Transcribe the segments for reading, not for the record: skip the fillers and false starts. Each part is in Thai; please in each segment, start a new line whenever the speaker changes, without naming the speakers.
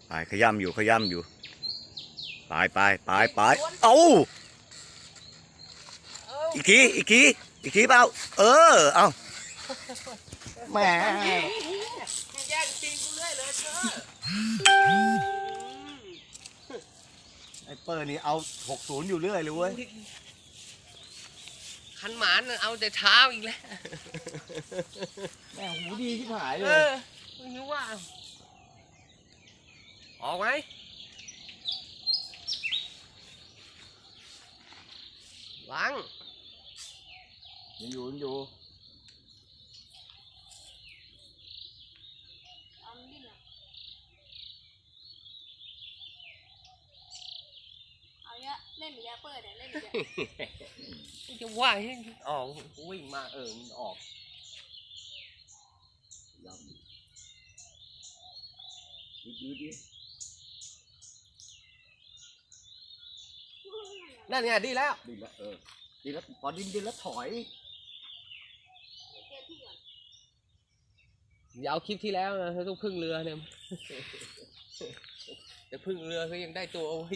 ไปขย้ำอยู่ไปเอาอีกทีเปล่าเอาแหม
แย่งจริงกูเรื่อยเลยเธอ
ไอ้เปิร์นี่เอา60อยู่เรื่อยเลยเว้ย
ขันหมานเอาแต่เช้าอีกแล้ว
แม่หูดีที่หายเล
ไม่รู้ว่าออกไหมล้าง
ยังอยู่
เอาเยอะเล่นหรือยาเปิดเล่นหรือ
จะว่าให้ออกวิ่งมามันออก
ยืด
นั่นไงดีแล้ว
ดีแล้วพอดินแล้วถอย
อย่าเอาคลิปที่แล้วนะต้องพึ่งเรือเนี่ยแต่พึ่งเรือเขายังได้ตัวเอาไว้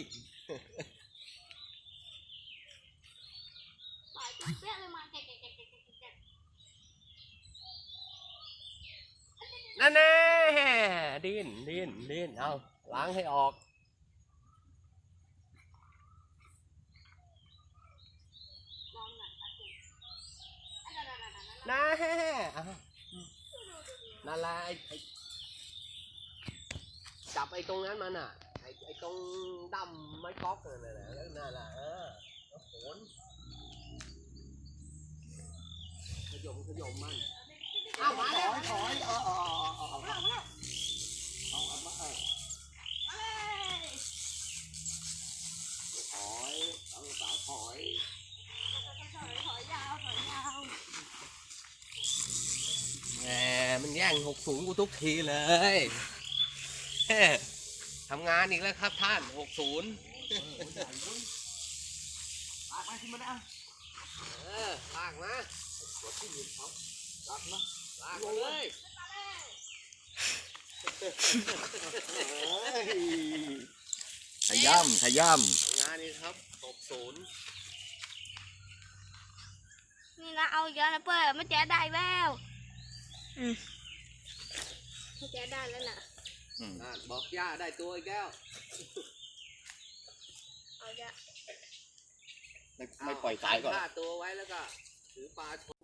นั่นแน่ดิ้นเอาล้างให้ออกน่านั่นแหละจับไอ้ตรงนั้นมันอ่ะไอ้ตรงดำไม้ก๊อกนั่นแหละแล้วนั่นแหละแล้วโขนขยมมันเอามาแล้ว
ถอยเอาสาวถอย
ยาว
แหมมันแย่ง60กูทุกทีเลย ทำงานอีกแล้วครับท่าน60
ลากมาขึ้นมาได้
ลากมา
ลากมา
ลากมาเลย
ขย่ำ
ทำงานนี่ครับ60
นี่นะเอาเยอะนะเปิดไม่แจ๊ได้แล้วไม่แจ๊ได้แล้วนะ
บอกย่าได้ตัวอีกแล้ว
เอาเยอะ
ไม่ปล่อยสายก่อน
ฆ่าตัวไว้แล้วก็ถือปลา